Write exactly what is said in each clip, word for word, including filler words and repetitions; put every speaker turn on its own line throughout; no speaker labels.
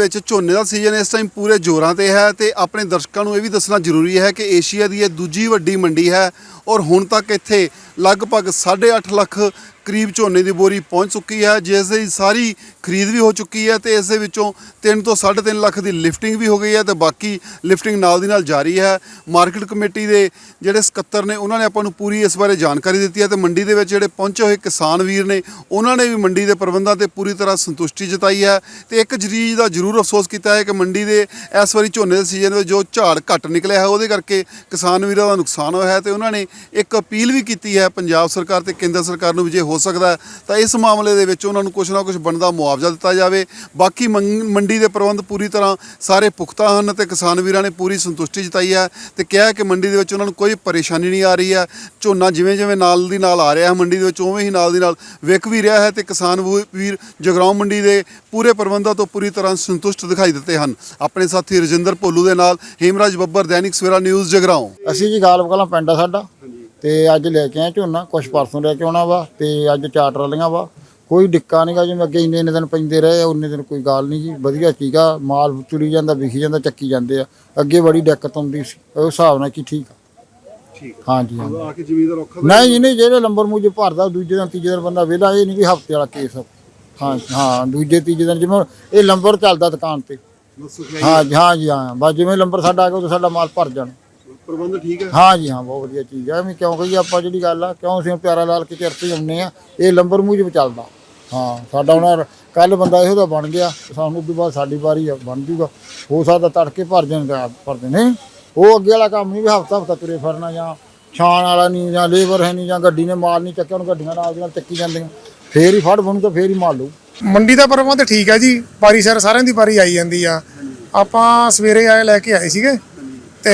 ਵਿੱਚ ਝੋਨੇ ਦਾ ਸੀਜ਼ਨ ਇਸ ਟਾਈਮ ਪੂਰੇ ਜ਼ੋਰਾਂ ਤੇ ਹੈ ਤੇ ਆਪਣੇ ਦਰਸ਼ਕਾਂ ਨੂੰ ਇਹ ਵੀ ਦੱਸਣਾ ਜ਼ਰੂਰੀ ਹੈ ਕਿ ਏਸ਼ੀਆ ਦੀ ਇਹ ਦੂਜੀ ਵੱਡੀ ਮੰਡੀ ਹੈ ਔਰ ਹੁਣ ਤੱਕ ਇੱਥੇ ਲਗਭਗ ਸਾਢੇ ਅੱਠ ਲੱਖ ਕਰੀਬ ਝੋਨੇ ਦੀ ਬੋਰੀ ਪਹੁੰਚ ਚੁੱਕੀ ਹੈ, ਜਿਸ ਦੀ ਸਾਰੀ ਖਰੀਦ ਵੀ ਹੋ ਚੁੱਕੀ ਹੈ ਤੇ ਇਸ ਦੇ ਵਿੱਚੋਂ ਤਿੰਨ ਤੋਂ ਸਾਢੇ ਤਿੰਨ ਲੱਖ ਦੀ ਲਿਫਟਿੰਗ ਵੀ ਹੋ ਗਈ ਹੈ ਤੇ ਬਾਕੀ ਲਿਫਟਿੰਗ ਨਾਲ ਦੀ ਨਾਲ ਜਾਰੀ ਹੈ। ਮਾਰਕੀਟ ਕਮੇਟੀ ਦੇ ਜਿਹੜੇ ਸਕੱਤਰ ਨੇ ਉਹਨਾਂ ਨੇ ਆਪਾਂ ਨੂੰ ਪੂਰੀ ਇਸ ਬਾਰੇ ਜਾਣਕਾਰੀ ਦਿੱਤੀ ਹੈ ਤੇ ਮੰਡੀ ਦੇ ਵਿੱਚ ਜਿਹੜੇ ਪਹੁੰਚੇ ਹੋਏ ਕਿਸਾਨ ਵੀਰ ਨੇ ਉਹਨਾਂ ਨੇ ਵੀ ਮੰਡੀ ਦੇ ਪ੍ਰਬੰਧਾਂ ਤੇ ਪੂਰੀ ਤਰ੍ਹਾਂ ਸੰਤੁਸ਼ਟੀ ਜਤਾਈ ਹੈ ਤੇ ਇੱਕ ਚੀਜ਼ ਦਾ ਜ਼ਰੂਰ ਅਫਸੋਸ ਕੀਤਾ ਹੈ ਕਿ ਮੰਡੀ ਦੇ ਇਸ ਵਾਰੀ ਝੋਨੇ ਦੇ ਸੀਜ਼ਨ ਵਿੱਚ ਜੋ ਝਾੜ ਘੱਟ ਨਿਕਲਿਆ ਹੈ ਉਹਦੇ ਕਰਕੇ ਕਿਸਾਨ ਵੀਰਾਂ ਦਾ ਨੁਕਸਾਨ ਹੋਇਆ ਹੈ ਤੇ ਉਹਨਾਂ ਨੇ ਇੱਕ ਅਪੀਲ ਵੀ ਕੀਤੀ ਹੈ ਪੰਜਾਬ ਸਰਕਾਰ ਤੇ ਕੇਂਦਰ ਸਰਕਾਰ ਨੂੰ ਵੀ ਜੇ ਹੋ ਸਕਦਾ ਤਾਂ ਇਸ ਮਾਮਲੇ ਦੇ ਵਿੱਚ ਉਹਨਾਂ ਨੂੰ ਕੁਛ ਨਾ ਕੁਛ ਬਣਦਾ ਮੁਆਵਜ਼ਾ ਦਿੱਤਾ ਜਾਵੇ। ਬਾਕੀ ਮੰਡੀ ਦੇ ਪ੍ਰਬੰਧ ਪੂਰੀ ਤਰ੍ਹਾਂ ਸਾਰੇ ਪੁਖਤਾ ਹਨ ਤੇ ਕਿਸਾਨ ਵੀਰਾਂ ਨੇ ਪੂਰੀ ਸੰਤੁਸ਼ਟੀ ਜਤਾਈ ਹੈ ਤੇ ਕਿਹਾ ਕਿ ਮੰਡੀ ਦੇ ਵਿੱਚ ਉਹਨਾਂ ਨੂੰ ਕੋਈ ਪਰੇਸ਼ਾਨੀ ਨਹੀਂ ਆ ਰਹੀ ਹੈ। ਝੋਨਾ ਜਿਵੇਂ ਜਿਵੇਂ ਨਾਲ ਦੀ ਨਾਲ ਆ ਰਿਹਾ ਹੈ ਮੰਡੀ ਦੇ ਵਿੱਚ ਉਵੇਂ ਹੀ ਨਾਲ ਦੀ ਨਾਲ ਵਿਕ ਵੀ ਰਿਹਾ ਹੈ ਤੇ ਕਿਸਾਨ ਵੀਰ ਜਗਰਾਉਂ ਮੰਡੀ ਦੇ ਪੂਰੇ ਪ੍ਰਬੰਧਾਂ ਤੋਂ ਪੂਰੀ ਤਰ੍ਹਾਂ ਸੰਤੁਸ਼ਟ ਦਿਖਾਈ ਦਿੱਤੇ ਹਨ। ਆਪਣੇ ਸਾਥੀ ਰਜਿੰਦਰ ਭੋਲੂ ਦੇ ਨਾਲ ਹੇਮਰਾਜ ਬੱਬਰ, ਦੈਨਿਕ ਸਵੇਰਾ ਨਿਊਜ਼ ਜਗਰਾਉਂ।
ਅਸੀਂ ਜੀ ਗਾਲਬ ਕਲਾਂ ਪਿੰਡ ਆ ਸਾਡਾ ਤੇ ਅੱਜ ਲੈ ਕੇ ਆਏ ਝੋਨਾ, ਕੁਛ ਪਰਸੋਂ ਲੈ ਕੇ ਆਉਣਾ ਵਾ ਤੇ ਅੱਜ ਚਾਰ ਟਰਾਲੀਆਂ ਵਾ। ਕੋਈ ਡਿੱਕਾ ਨਹੀਂਗਾ, ਜਿਵੇਂ ਅੱਗੇ ਇੰਨੇ ਇੰਨੇ ਦਿਨ ਪੈਂਦੇ ਰਹੇ ਉਨੇ ਦਿਨ ਕੋਈ ਗੱਲ ਨਹੀਂ ਜੀ, ਵਧੀਆ ਸੀਗਾ, ਮਾਲ ਤੁਰੀ ਜਾਂਦਾ, ਵਿਖੀ ਜਾਂਦਾ, ਚੱਕੀ ਜਾਂਦੇ ਆ। ਅੱਗੇ ਬੜੀ ਦਿੱਕਤ ਆਉਂਦੀ ਸੀ, ਉਸ ਹਿਸਾਬ ਨਾਲ ਕੀ ਠੀਕ ਆ।
ਠੀਕ
ਹਾਂਜੀ
ਆ ਕੇ ਜ਼ਮੀਨਦਾਰ ਔਖਾ
ਨਹੀਂ ਜੀ, ਨਹੀਂ ਜਿਹੜੇ ਲੰਬਰ ਮੂਜੇ ਭਰਦਾ ਦੂਜੇ ਦਿਨ ਤੀਜੇ ਦਿਨ ਬੰਦਾ ਵਿਹਲਾ, ਇਹ ਨਹੀਂ ਵੀ ਹਫ਼ਤੇ ਵਾਲਾ ਕੇਸ। ਹਾਂ ਹਾਂ ਦੂਜੇ ਤੀਜੇ ਦਿਨ ਜਿਵੇਂ ਇਹ ਲੰਬਰ ਚੱਲਦਾ ਦੁਕਾਨ ਤੇ। ਹਾਂ ਹਾਂ ਜੀ ਹਾਂ, ਬਸ ਜਿਵੇਂ ਲੰਬਰ ਸਾਡਾ ਆ ਗਿਆ ਉਦੋਂ ਸਾਡਾ ਮਾਲ ਭਰ ਜਾਣਾ।
ਪ੍ਰਬੰਧ ਠੀਕ ਹੈ?
ਹਾਂ ਜੀ ਹਾਂ, ਬਹੁਤ ਵਧੀਆ ਚੀਜ਼ ਹੈ। ਐਵੇਂ ਕਿਉਂ ਕਹੀਏ ਆਪਾਂ, ਜਿਹੜੀ ਗੱਲ ਆ ਕਿਉਂ ਅਸੀਂ ਪਿਆਰਾ ਲਾਲ ਕੇ ਚਰਤੇ ਆਉਂਦੇ ਆ, ਇਹ ਲੰਬਰ ਮੂਜਬ ਚੱਲਦਾ। ਹਾਂ ਸਾਡਾ ਹੁਣ ਕੱਲ ਬੰਦਾ ਇਹੋ ਜਿਹਾ ਬਣ ਗਿਆ, ਸਾਨੂੰ ਉਦੋਂ ਬਾਅਦ ਸਾਡੀ ਵਾਰੀ ਬਣ ਜੂਗਾ। ਹੋ ਸਕਦਾ ਤੜਕੇ ਭਰ ਜਾਣ ਭਰਦੇ ਨੇ, ਉਹ ਅੱਗੇ ਵਾਲਾ ਕੰਮ ਨਹੀਂ ਵੀ ਹਫ਼ਤਾ ਹਫ਼ਤਾ ਤੁਰੇ ਫਿਰਨਾ, ਜਾਂ ਛਾਣ ਵਾਲਾ ਨਹੀਂ, ਜਾਂ ਲੇਬਰ ਹੈ ਨਹੀਂ, ਜਾਂ ਗੱਡੀ ਨੇ ਮਾਲ ਨਹੀਂ ਚੱਕਿਆ, ਹੁਣ ਗੱਡੀਆਂ ਨਾਲ ਦੀ ਨਾਲ ਚੱਕੀ ਜਾਂਦੀਆਂ, ਫੇਰ ਹੀ ਫੜ ਬਣੂ ਤਾਂ ਫੇਰ ਹੀ ਮਾਲ ਲਊ।
ਮੰਡੀ ਦਾ ਪ੍ਰਬੰਧ ਠੀਕ ਹੈ ਜੀ, ਵਾਰੀ ਸਿਰ ਸਾਰਿਆਂ ਦੀ ਵਾਰੀ ਆਈ ਜਾਂਦੀ ਆ। ਆਪਾਂ ਸਵੇਰੇ ਆਏ ਲੈ ਕੇ ਆਏ ਸੀਗੇ ਤੇ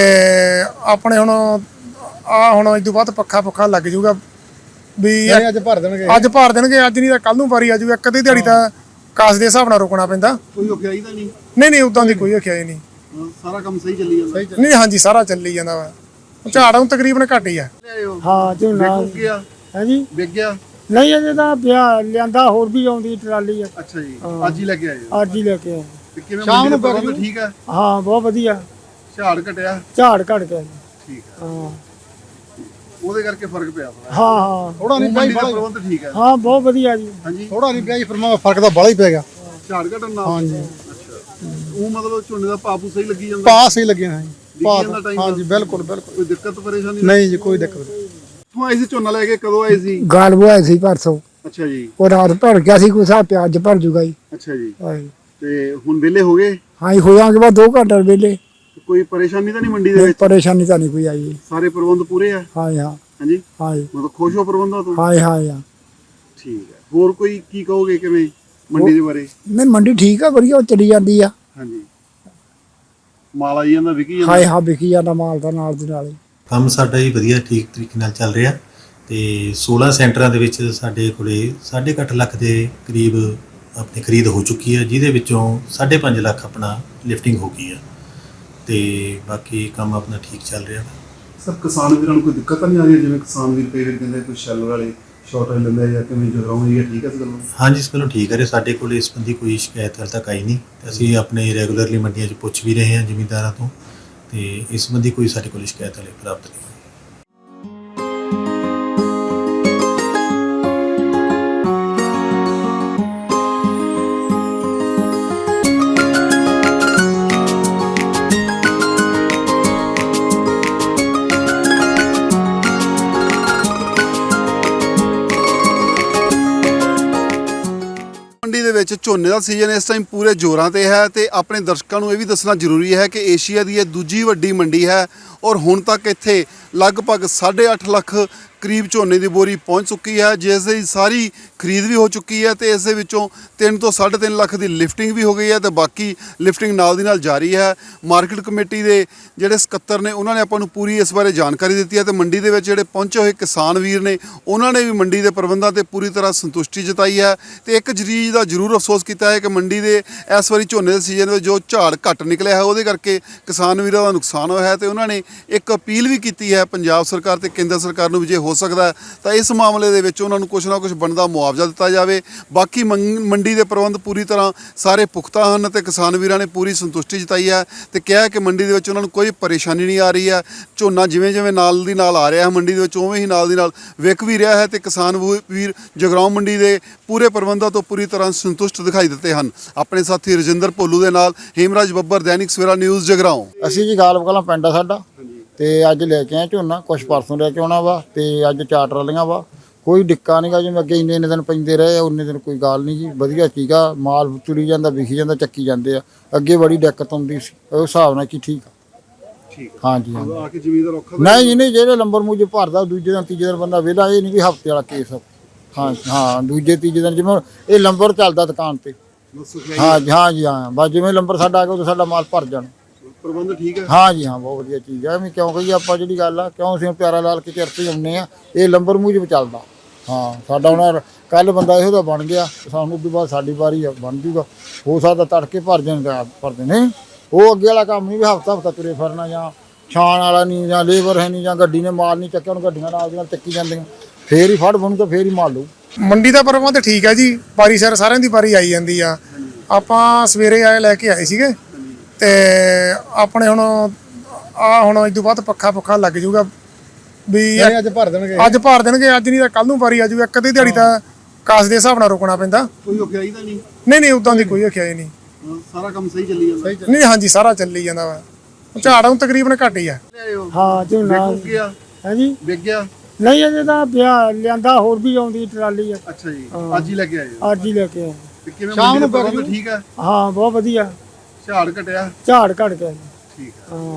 ਆਪਣੇ ਹੁਣ ਆ ਹੁਣ ਇਸ ਤੋਂ ਬਾਅਦ ਪੱਖਾ ਪੁੱਖਾ ਲੱਗ ਜੂਗਾ ਵੀ
ਅੱਜ ਭਰ ਦੇਣਗੇ,
ਅੱਜ ਭਰ ਦੇਣਗੇ, ਅੱਜ ਨਹੀਂ ਤਾਂ ਕੱਲ ਨੂੰ ਵਾਰੀ ਆ ਜੂਗਾ। ਇੱਕ ਅੱਧੀ ਦਿਹਾੜੀ ਤਾਂ ਕਾਸ ਦੇ ਹਿਸਾਬ ਨਾਲ ਰੁਕਣਾ ਪੈਂਦਾ।
ਕੋਈ ਔਖਿਆਈ ਤਾਂ ਨਹੀਂ?
ਨਹੀਂ ਨਹੀਂ, ਉਦਾਂ ਦੀ ਕੋਈ ਔਖਿਆਈ ਨਹੀਂ,
ਸਾਰਾ ਕੰਮ ਸਹੀ ਚੱਲੀ ਜਾਂਦਾ।
ਨਹੀਂ ਹਾਂਜੀ, ਸਾਰਾ ਚੱਲੀ ਜਾਂਦਾ ਵਾ। ਝਾੜ ਹੁਣ ਤਕਰੀਬਨ ਘੱਟ ਹੀ ਆ।
ਹਾਂ ਝੋਨਾ ਹੈ ਜੀ,
ਵਿਕ ਗਿਆ?
ਨਹੀਂ ਅਜੇ ਤਾਂ ਪਿਆ, ਲਿਆਂਦਾ ਹੋਰ ਵੀ ਆਉਂਦੀ ਟਰਾਲੀ ਆ।
ਅੱਛਾ ਜੀ, ਅੱਜ ਹੀ ਲੈ ਕੇ ਆਏ?
ਅੱਜ ਹੀ ਲੈ ਕੇ ਆਏ।
ਤੇ ਕਿਵੇਂ ਸ਼ਾਮ ਨੂੰ ਪ੍ਰਬੰਧ ਠੀਕ ਹੈ?
ਹਾਂ ਬਹੁਤ ਵਧੀਆ,
ਝਾੜ ਘਟਿਆ?
ਝਾੜ ਘਟ ਗਿਆ।
ਠੀਕ ਹੈ,
ਹਾਂ
ਉਹਦੇ ਕਰਕੇ ਫਰਕ ਪਿਆ ਥੋੜਾ।
ਹਾਂ ਹਾਂ
ਥੋੜਾ ਨਹੀਂ ਪਿਆ,
ਪ੍ਰਬੰਧ ਠੀਕ ਹੈ?
ਹਾਂ ਬਹੁਤ ਵਧੀਆ ਜੀ।
ਹਾਂਜੀ,
ਥੋੜਾ ਨਹੀਂ ਪਿਆ ਜੀ, ਪਰ ਫਰਕ ਤਾਂ ਬੜਾ ਹੀ ਪੈ ਗਿਆ
ਝਾੜ ਘਟਣ ਨਾਲ।
ਹਾਂਜੀ,
ਅੱਛਾ, ਉਹ ਮਤਲਬ ਝੋਨੇ ਦਾ ਭਾਅ ਸਹੀ ਲੱਗੀ ਜਾਂਦਾ?
ਪਾਸ ਹੀ ਲੱਗਿਆ ਹਾਂ ਜੀ,
ਹਾਂਜੀ
ਬਿਲਕੁਲ ਬਿਲਕੁਲ,
ਕੋਈ ਦਿੱਕਤ ਪਰੇਸ਼ਾਨੀ
ਨਹੀਂ ਜੀ, ਕੋਈ ਦਿੱਕਤ ਨਹੀਂ।
ਤੂੰ ਆਏ ਸੀ ਝੋਨਾ ਲੈ ਕੇ, ਕਦੋਂ ਆਏ ਸੀ?
ਗਾਲਬ ਆਏ ਸੀ ਪਰਸੋਂ।
ਅੱਛਾ ਜੀ,
ਉਹ ਰਾਤ ਭਰ ਗਿਆ ਸੀ, ਕੋਈ ਹਿਸਾਬ ਪਿਆ ਅੱਜ ਭਰ ਜੂਗਾ ਜੀ।
ਅੱਛਾ ਜੀ,
ਹਾਂ
ਤੇ ਹੁਣ ਵਿਹਲੇ ਹੋ ਗਏ?
ਹਾਂ ਹੋਇਆਂਗੇ ਬਾਅਦ ਦੋ ਘੰਟੇ ਵੇਲੇ।
ਕੋਈ ਪਰੇਸ਼ਾਨੀ ਤਾਂ ਨਹੀਂ ਮੰਡੀ ਦੇ ਵਿੱਚ?
ਪਰੇਸ਼ਾਨੀ ਤਾਂ ਨਹੀਂ ਕੋਈ ਆਈ।
ਸਾਰੇ ਪ੍ਰਬੰਧ ਪੂਰੇ ਆ?
ਹਾਂ ਹਾਂ
ਹਾਂਜੀ
ਹਾਂ
ਮਤਲਬ ਖੁਸ਼ ਹੋ ਪ੍ਰਬੰਧਾਂ ਤੋਂ?
ਹਾਂ ਹਾਂ ਹਾਂ
ਠੀਕ ਹੈ। ਹੋਰ ਕੋਈ ਕੀ ਕਹੋਗੇ ਕਿਵੇਂ ਮੰਡੀ ਦੇ ਬਾਰੇ?
ਨਹੀਂ ਮੰਡੀ ਠੀਕ ਆ, ਵਧੀਆ ਚਲੀ ਜਾਂਦੀ ਆ।
ਹਾਂਜੀ, ਮਾਲ ਆਈ ਜਾਂਦਾ, ਵਿਕੀ ਜਾਂਦਾ?
ਹਾਂ ਹਾਂ ਵਿਕੀ ਜਾਂਦਾ ਮਾਲ ਦਾ ਨਾਲ ਦੀ ਨਾਲ।
ਕੰਮ ਸਾਡਾ ਹੀ ਵਧੀਆ ਠੀਕ ਤਰੀਕੇ ਨਾਲ ਚੱਲ ਰਿਹਾ ਤੇ ਸੋਲਾਂ ਸੈਂਟਰਾਂ ਦੇ ਵਿੱਚ ਸਾਡੇ ਕੋਲੇ ਸਾਢੇ ਕੁ ਅੱਠ ਲੱਖ ਦੇ ਕਰੀਬ ਆਪਣੀ ਖਰੀਦ ਹੋ ਚੁੱਕੀ ਹੈ, ਜਿਹਦੇ ਵਿੱਚੋਂ ਸਾਢੇ ਪੰਜ ਲੱਖ ਆਪਣਾ ਲਿਫਟਿੰਗ ਹੋ ਗਈ ਹੈ ਤੇ ਬਾਕੀ ਕੰਮ ਆਪਣਾ ਠੀਕ ਚੱਲ ਰਿਹਾ।
ਸਰ ਕਿਸਾਨ ਵੀਰਾਂ ਨੂੰ ਕੋਈ ਦਿੱਕਤ ਤਾਂ ਨਹੀਂ ਆ ਰਹੀ? ਜਿਵੇਂ ਕਿਸਾਨ ਵੀਰ ਕਈ ਵਾਰ ਕਹਿੰਦੇ ਕੋਈ ਸ਼ੈਲਰ ਵਾਲੇ ਸ਼ਾਰਟੇਜ ਲੈਂਦੇ ਜਾਂ ਕਿਵੇਂ ਜਗਰਾਉਂ ਏਰੀਆ ਠੀਕ ਹੈ ਇਸ ਗੱਲੋਂ?
ਹਾਂਜੀ, ਇਸ ਵੱਲੋਂ ਠੀਕ ਹੈ, ਸਾਡੇ ਕੋਲ ਇਸ ਸੰਬੰਧੀ ਕੋਈ ਸ਼ਿਕਾਇਤ ਹਾਲੇ ਤੱਕ ਆਈ ਨਹੀਂ ਤੇ ਅਸੀਂ ਆਪਣੇ ਰੈਗੂਲਰਲੀ ਮੰਡੀਆਂ 'ਚ ਪੁੱਛ ਵੀ ਰਹੇ ਹਾਂ ਜ਼ਿਮੀਂਦਾਰਾਂ ਤੋਂ ਤੇ ਇਸ ਸੰਬੰਧੀ ਕੋਈ ਸਾਡੇ ਕੋਲ ਸ਼ਿਕਾਇਤ ਹਾਲੇ ਪ੍ਰਾਪਤ ਨਹੀਂ।
ਮੰਡੀ ਦੇ ਵਿੱਚ ਝੋਨੇ ਦਾ ਸੀਜ਼ਨ ਇਸ ਟਾਈਮ ਪੂਰੇ ਜ਼ੋਰਾਂ ਤੇ ਹੈ ਤੇ ਆਪਣੇ ਦਰਸ਼ਕਾਂ ਨੂੰ ਇਹ ਵੀ ਦੱਸਣਾ ਜ਼ਰੂਰੀ ਹੈ ਕਿ ਏਸ਼ੀਆ ਦੀ ਇਹ ਦੂਜੀ ਵੱਡੀ ਮੰਡੀ ਹੈ ਔਰ ਹੁਣ ਤੱਕ ਇੱਥੇ ਲਗਭਗ ਸਾਢੇ ਅੱਠ ਲੱਖ ਕਰੀਬ ਝੋਨੇ ਦੀ ਬੋਰੀ ਪਹੁੰਚ ਚੁੱਕੀ ਹੈ, ਜਿਸ ਦੀ ਸਾਰੀ ਖਰੀਦ ਵੀ ਹੋ ਚੁੱਕੀ ਹੈ ਤੇ ਇਸ ਦੇ ਵਿੱਚੋਂ ਤਿੰਨ ਤੋਂ ਸਾਢੇ ਤਿੰਨ ਲੱਖ ਦੀ ਲਿਫਟਿੰਗ ਵੀ ਹੋ ਗਈ ਹੈ ਤੇ ਬਾਕੀ ਲਿਫਟਿੰਗ ਨਾਲ ਦੀ ਨਾਲ ਜਾਰੀ ਹੈ। ਮਾਰਕੀਟ ਕਮੇਟੀ ਦੇ ਜਿਹੜੇ ਸਕੱਤਰ ਨੇ ਉਹਨਾਂ ਨੇ ਆਪਾਂ ਨੂੰ ਪੂਰੀ ਇਸ ਬਾਰੇ ਜਾਣਕਾਰੀ ਦਿੱਤੀ ਹੈ ਤੇ ਮੰਡੀ ਦੇ ਵਿੱਚ ਜਿਹੜੇ ਪਹੁੰਚੇ ਹੋਏ ਕਿਸਾਨ ਵੀਰ ਨੇ ਉਹਨਾਂ ਨੇ ਵੀ ਮੰਡੀ ਦੇ ਪ੍ਰਬੰਧਾਂ ਤੇ ਪੂਰੀ ਤਰ੍ਹਾਂ ਸੰਤੁਸ਼ਟੀ ਜਤਾਈ ਹੈ ਤੇ ਇੱਕ ਚੀਜ਼ ਦਾ ਜ਼ਰੂਰ ਅਫਸੋਸ ਕੀਤਾ ਹੈ ਕਿ ਮੰਡੀ ਦੇ ਇਸ ਵਾਰੀ ਝੋਨੇ ਦੇ ਸੀਜ਼ਨ ਵਿੱਚ ਜੋ ਝਾੜ ਘੱਟ ਨਿਕਲਿਆ ਹੈ ਉਹਦੇ ਕਰਕੇ ਕਿਸਾਨ ਵੀਰਾਂ ਦਾ ਨੁਕਸਾਨ ਹੋਇਆ ਹੈ ਤੇ ਉਹਨਾਂ ਨੇ ਇੱਕ ਅਪੀਲ ਵੀ ਕੀਤੀ ਹੈ ਪੰਜਾਬ ਸਰਕਾਰ ਤੇ ਕੇਂਦਰ ਸਰਕਾਰ ਨੂੰ ਵੀ ਜੇ ਹੋ ਹੋ ਸਕਦਾ ਹੈ ਤਾਂ ਇਸ ਮਾਮਲੇ ਦੇ ਵਿੱਚ ਉਹਨਾਂ ਨੂੰ ਕੁਝ ਨਾ ਕੁਝ ਬਣਦਾ ਮੁਆਵਜ਼ਾ ਦਿੱਤਾ ਜਾਵੇ। ਬਾਕੀ ਮੰਗ- ਮੰਡੀ ਦੇ ਪ੍ਰਬੰਧ ਪੂਰੀ ਤਰ੍ਹਾਂ ਸਾਰੇ ਪੁਖਤਾ ਹਨ ਤੇ ਕਿਸਾਨ ਵੀਰਾਂ ਨੇ ਪੂਰੀ ਸੰਤੁਸ਼ਟੀ ਜਤਾਈ ਹੈ ਤੇ ਕਿਹਾ ਕਿ ਮੰਡੀ ਦੇ ਵਿੱਚ ਉਹਨਾਂ ਨੂੰ ਕੋਈ ਪਰੇਸ਼ਾਨੀ ਨਹੀਂ ਆ ਰਹੀ ਹੈ। ਝੋਨਾ ਜਿਵੇਂ ਜਿਵੇਂ ਨਾਲ ਦੀ ਨਾਲ ਆ ਰਿਹਾ ਹੈ ਮੰਡੀ ਦੇ ਵਿੱਚ ਉਵੇਂ ਹੀ ਨਾਲ ਦੀ ਨਾਲ ਵਿਕ ਵੀ ਰਿਹਾ ਹੈ ਤੇ ਕਿਸਾਨ ਵੂ- ਵੀਰ ਜਗਰਾਉਂ ਮੰਡੀ ਦੇ ਪੂਰੇ ਪ੍ਰਬੰਧਾਂ ਤੋਂ ਪੂਰੀ ਤਰ੍ਹਾਂ ਸੰਤੁਸ਼ਟ ਦਿਖਾਈ ਦਿੱਤੇ ਹਨ। ਆਪਣੇ ਸਾਥੀ ਰਜਿੰਦਰ ਭੋਲੂ ਦੇ ਨਾਲ ਹੇਮਰਾਜ ਬੱਬਰ, ਦੈਨਿਕ ਸਵੇਰਾ ਨਿਊਜ਼ ਜਗਰਾਉਂ।
ਅਸੀਂ ਜੀ ਗਾਲਬ ਕਲਾਂ ਪਿੰਡ ਆ ਸਾਡਾ ਤੇ ਅੱਜ ਲੈ ਕੇ ਆਏ ਝੋਨਾ, ਕੁਛ ਪਰਸੋਂ ਲੈ ਕੇ ਆਉਣਾ ਵਾ ਤੇ ਅੱਜ ਚਾਰ ਟਰਾਲੀਆਂ ਵਾ। ਕੋਈ ਡਿੱਕਾ ਨਹੀਂਗਾ, ਜਿਵੇਂ ਅੱਗੇ ਇੰਨੇ ਇੰਨੇ ਦਿਨ ਪੈਂਦੇ ਰਹੇ ਉਨੇ ਦਿਨ ਕੋਈ ਗੱਲ ਨਹੀਂ ਜੀ, ਵਧੀਆ ਸੀਗਾ। ਮਾਲ ਤੁਰੀ ਜਾਂਦਾ, ਵਿਖੀ ਜਾਂਦਾ, ਚੱਕੀ ਜਾਂਦੇ ਆ। ਅੱਗੇ ਬੜੀ ਦਿੱਕਤ ਆਉਂਦੀ ਸੀ, ਉਸ ਹਿਸਾਬ ਨਾਲ ਕੀ ਠੀਕ ਆ।
ਠੀਕ
ਹਾਂਜੀ ਹਾਂ
ਆ ਕੇ ਜ਼ਮੀਨਦਾਰ ਔਖਾ
ਨਹੀਂ ਜੀ ਨਹੀਂ, ਜਿਹੜੇ ਲੰਬਰ ਮੂਜੇ ਭਰਦਾ ਦੂਜੇ ਦਿਨ ਤੀਜੇ ਦਿਨ ਬੰਦਾ ਵਿਹਲਾ, ਇਹ ਨਹੀਂ ਵੀ ਹਫਤੇ ਵਾਲਾ ਕੇਸ। ਹਾਂ ਹਾਂ ਦੂਜੇ ਤੀਜੇ ਦਿਨ ਜਿਵੇਂ ਇਹ ਲੰਬਰ ਚੱਲਦਾ ਦੁਕਾਨ ਤੇ। ਹਾਂ ਜੀ ਹਾਂ ਜੀ ਹਾਂ, ਬਸ ਜਿਵੇਂ ਲੰਬਰ ਸਾਡਾ ਆ ਗਿਆ ਉਦੋਂ ਸਾਡਾ ਮਾਲ ਭਰ ਜਾਣਾ।
ਪ੍ਰਬੰਧ ਠੀਕ ਹੈ।
ਹਾਂ ਜੀ ਹਾਂ, ਬਹੁਤ ਵਧੀਆ ਚੀਜ਼ ਹੈ। ਐਵੇਂ ਕਿਉਂ ਕਹੀਏ ਆਪਾਂ, ਜਿਹੜੀ ਗੱਲ ਆ ਕਿਉਂ ਅਸੀਂ ਪਿਆਰਾ ਲਾਲ ਕੇ ਚਰਤੇ ਆਉਂਦੇ ਆ, ਇਹ ਲੰਬਰ ਮੂਜਬ ਚੱਲਦਾ। ਹਾਂ ਸਾਡਾ ਹੁਣ ਕੱਲ ਬੰਦਾ ਇਹੋ ਜਿਹਾ ਬਣ ਗਿਆ, ਸਾਨੂੰ ਉਦੋਂ ਬਾਅਦ ਸਾਡੀ ਵਾਰੀ ਬਣ ਜੂਗਾ। ਹੋ ਸਕਦਾ ਤੜਕੇ ਭਰ ਜਾਣ ਭਰਦੇ ਨੇ। ਉਹ ਅੱਗੇ ਵਾਲਾ ਕੰਮ ਨਹੀਂ ਵੀ ਹਫਤਾ ਹਫਤਾ ਤੁਰੇ ਫਿਰਨਾ, ਜਾਂ ਛਾਣ ਵਾਲਾ ਨਹੀਂ, ਜਾਂ ਲੇਬਰ ਹੈ ਨਹੀਂ, ਜਾਂ ਗੱਡੀ ਨੇ ਮਾਲ ਨਹੀਂ ਚੱਕਿਆ, ਉਹਨੂੰ ਗੱਡੀਆਂ ਨਾਲ ਦੀ ਨਾਲ ਚੱਕੀ ਜਾਂਦੀਆਂ, ਫੇਰ ਹੀ ਫੜ ਬਣੂ ਤਾਂ ਫੇਰ ਹੀ ਮਾਲ ਲਊ।
ਮੰਡੀ ਦਾ ਪ੍ਰਬੰਧ ਠੀਕ ਹੈ ਜੀ, ਵਾਰੀ ਸਿਰ ਸਾਰਿਆਂ ਦੀ ਵਾਰੀ ਆਈ ਜਾਂਦੀ ਆ। ਆਪਾਂ ਸਵੇਰੇ ਆਏ ਲੈ ਕੇ ਆਏ ਸੀਗੇ ਤੇ ਆਪਣੇ ਹੁਣ ਆ ਹੁਣ ਇਸ ਤੋਂ ਬਾਅਦ ਪੱਖਾ ਪੁੱਖਾ ਲੱਗ ਜਾਊਗਾ ਵੀ
ਅੱਜ ਭਰ ਦੇਣਗੇ,
ਅੱਜ ਭਰ ਦੇਣਗੇ, ਅੱਜ ਨਹੀਂ ਤਾਂ ਕੱਲ ਨੂੰ ਵਾਰੀ ਆ ਜਾਊਗਾ। ਇੱਕ ਅੱਧੀ ਦਿਹਾੜੀ ਤਾਂ ਕਾਸ ਦੇ ਹਿਸਾਬ ਨਾਲ ਰੁਕਣਾ ਪੈਂਦਾ।
ਕੋਈ ਔਖਿਆਈ ਤਾਂ ਨਹੀਂ?
ਨਹੀਂ ਨਹੀਂ, ਉਦਾਂ ਦੀ ਕੋਈ ਔਖਿਆਈ ਨਹੀਂ।
ਸਾਰਾ ਕੰਮ ਸਹੀ ਚੱਲੀ ਜਾਂਦਾ?
ਨਹੀਂ ਹਾਂਜੀ, ਸਾਰਾ ਚੱਲੀ ਜਾਂਦਾ ਵਾ। ਝਾੜ ਹੁਣ ਤਕਰੀਬਨ ਘੱਟ ਹੀ ਆ।
ਹਾਂ ਝੋਨਾ
ਵਿਕ ਗਿਆ?
ਹੈ ਜੀ।
ਵਿਕ ਗਿਆ?
ਨਹੀਂ ਅਜੇ ਤਾਂ ਪਿਆ ਲਿਆਂਦਾ, ਹੋਰ ਵੀ ਆਉਂਦੀ ਟਰਾਲੀ ਆ।
ਅੱਛਾ ਜੀ, ਅੱਜ ਹੀ ਲੈ ਕੇ ਆਏ ਹੋ?
ਅੱਜ ਹੀ ਲੈ ਕੇ ਆਏ।
ਤੇ ਕਿਵੇਂ ਮੰਡੀ ਦਾ ਪ੍ਰਬੰਧ ਠੀਕ ਹੈ?
ਹਾਂ ਬਹੁਤ ਵਧੀਆ,
ਝਾੜ ਘਟਿਆ?
ਝਾੜ ਘਟ ਗਿਆ ਜੀ।
ਠੀਕ ਹੈ,
ਹਾਂ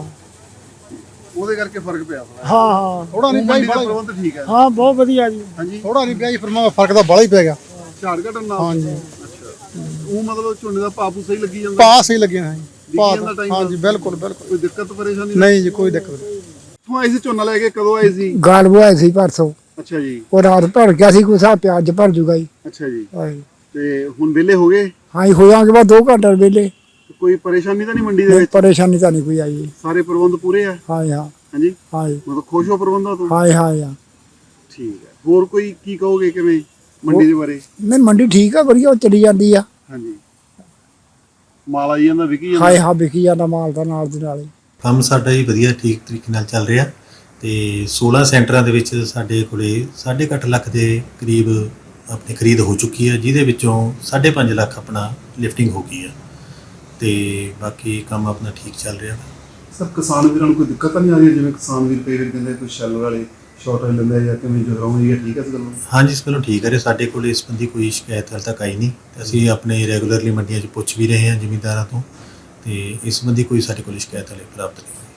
ਉਹਦੇ ਕਰਕੇ ਫਰਕ ਪਿਆ ਥੋੜਾ।
ਹਾਂ ਹਾਂ
ਥੋੜਾ ਨਹੀਂ
ਮੰਡੀ ਦਾ ਪ੍ਰਬੰਧ ਠੀਕ ਹੈ?
ਹਾਂ ਬਹੁਤ ਵਧੀਆ ਜੀ।
ਹਾਂਜੀ,
ਥੋੜਾ ਨਹੀਂ ਪਿਆ ਜੀ, ਫਿਰ ਫਰਕ ਤਾਂ ਬੜਾ ਹੀ ਪੈ ਗਿਆ।
ਝਾੜ ਘਟਣ ਨਾਲ?
ਹਾਂਜੀ।
ਅੱਛਾ, ਉਹ ਮਤਲਬ ਝੋਨੇ ਦਾ ਭਾਅ ਸਹੀ ਲੱਗੀ ਜਾਂਦਾ?
ਪਾਸ ਹੀ ਲੱਗਿਆ ਹੈ
ਵਿਕੀ ਜਾਂਦਾ time
ਹਾਂਜੀ
ਨਾਲ?
ਬਿਲਕੁਲ ਬਿਲਕੁਲ,
ਕੋਈ ਦਿੱਕਤ ਪਰੇਸ਼ਾਨੀ
ਨਹੀਂ ਜੀ ਕੋਈ ਦਿੱਕਤ ਨਹੀਂ।
ਤੂੰ ਆਏ ਸੀ ਝੋਨਾ ਲੈ ਕੇ, ਕਦੋਂ ਆਏ ਸੀ?
ਗਾਲ ਬੁਆਏ ਸੀ ਪਰਸੋਂ,
ਅੱਛਾ ਜੀ।
ਉਹ ਰਾਤ ਭਰ ਗਿਆ ਸੀ, ਕੋਈ ਸਾਹ ਪਿਆਜ ਭਰ ਜੂਗਾ ਜੀ।
ਅੱਛਾ ਜੀ,
ਹਾਂਜੀ
ਤੇ ਹੁਣ ਵਿਹਲੇ ਹੋ ਗਏ?
ਹਾਂ ਹੋਇਆਂਗੇ ਬਾਅਦ ਦੋ ਘੰਟੇ ਵੇਲੇ।
ਕੋਈ ਪਰੇਸ਼ਾਨੀ ਤਾਂ ਨਹੀਂ ਮੰਡੀ ਦੇ
ਨਹੀਂ
ਵਿੱਚ?
ਪਰੇਸ਼ਾਨੀ ਤਾਂ ਨਹੀਂ ਕੋਈ ਆਈ ਜੀ।
ਸਾਰੇ ਪ੍ਰਬੰਧ ਪੂਰੇ ਆ?
ਹਾਂ ਹਾਂ
ਹਾਂਜੀ,
ਹਾਂ
ਮਤਲਬ ਖੁਸ਼ ਹੋ ਪ੍ਰਬੰਧਾਂ ਤੋਂ?
ਹਾਂ ਹਾਂ ਹਾਂ।
ਠੀਕ ਹੈ, ਹੋਰ ਕੋਈ ਕੀ ਕਹੋਗੇ ਕਿਵੇਂ ਮੰਡੀ ਦੇ ਬਾਰੇ?
ਨਹੀਂ ਮੰਡੀ ਠੀਕ ਆ, ਵਧੀਆ ਉਹ ਚਲੀ ਜਾਂਦੀ ਆ।
ਹਾਂਜੀ, ਮਾਲ ਆਈ ਜਾਂਦਾ, ਵਿਕੀ
ਹਾਂ
ਜਾਂਦਾ?
ਹਾਂ ਵਿਕੀ ਜਾਂਦਾ ਮਾਲ ਦਾ ਨਾਲ ਦੀ ਨਾਲ ਹੀ।
ਕੰਮ ਸਾਡਾ ਹੀ ਵਧੀਆ ਠੀਕ ਤਰੀਕੇ ਨਾਲ ਚੱਲ ਰਿਹਾ ਤੇ ਸੋਲਾਂ ਸੈਂਟਰਾਂ ਦੇ ਵਿੱਚ ਸਾਡੇ ਕੋਲੇ ਸਾਢੇ ਕੁ ਅੱਠ ਲੱਖ ਦੇ ਕਰੀਬ ਆਪਣੀ ਖਰੀਦ ਹੋ ਚੁੱਕੀ ਹੈ, ਜਿਹਦੇ ਵਿੱਚੋਂ ਸਾਢੇ ਪੰਜ ਲੱਖ ਆਪਣਾ ਲਿਫਟਿੰਗ ਹੋ ਗਈ ਹੈ ਤੇ ਬਾਕੀ ਕੰਮ ਆਪਣਾ ਠੀਕ ਚੱਲ ਰਿਹਾ।
ਸਰ ਕਿਸਾਨ ਵੀਰਾਂ ਨੂੰ ਕੋਈ ਦਿੱਕਤ ਤਾਂ ਨਹੀਂ ਆ ਰਹੀ? ਜਿਵੇਂ ਕਿਸਾਨ ਵੀਰ ਕਈ ਵਾਰ ਕਹਿੰਦੇ ਕੋਈ ਸ਼ੈਲਰ ਵਾਲੇ ਸ਼ਾਰਟੇਜ ਲੈਂਦੇ ਜਾਂ ਕਿਵੇਂ ਜਗਰਾਉਂ ਏਰੀਆ ਠੀਕ ਹੈ ਇਸ ਗੱਲੋਂ?
ਹਾਂਜੀ, ਇਸ ਵੱਲੋਂ ਠੀਕ ਹੈ ਰਿਹਾ। ਸਾਡੇ ਕੋਲ ਇਸ ਸੰਬੰਧੀ ਕੋਈ ਸ਼ਿਕਾਇਤ ਹਾਲੇ ਤੱਕ ਆਈ ਨਹੀਂ ਤੇ ਅਸੀਂ ਆਪਣੇ ਰੈਗੂਲਰਲੀ ਮੰਡੀਆਂ 'ਚ ਪੁੱਛ ਵੀ ਰਹੇ ਹਾਂ ਜ਼ਿਮੀਂਦਾਰਾਂ ਤੋਂ ਤੇ ਇਸ ਸੰਬੰਧੀ ਕੋਈ ਸਾਡੇ ਕੋਲ ਸ਼ਿਕਾਇਤ ਹਾਲੇ ਪ੍ਰਾਪਤ ਨਹੀਂ ਹੋਈ।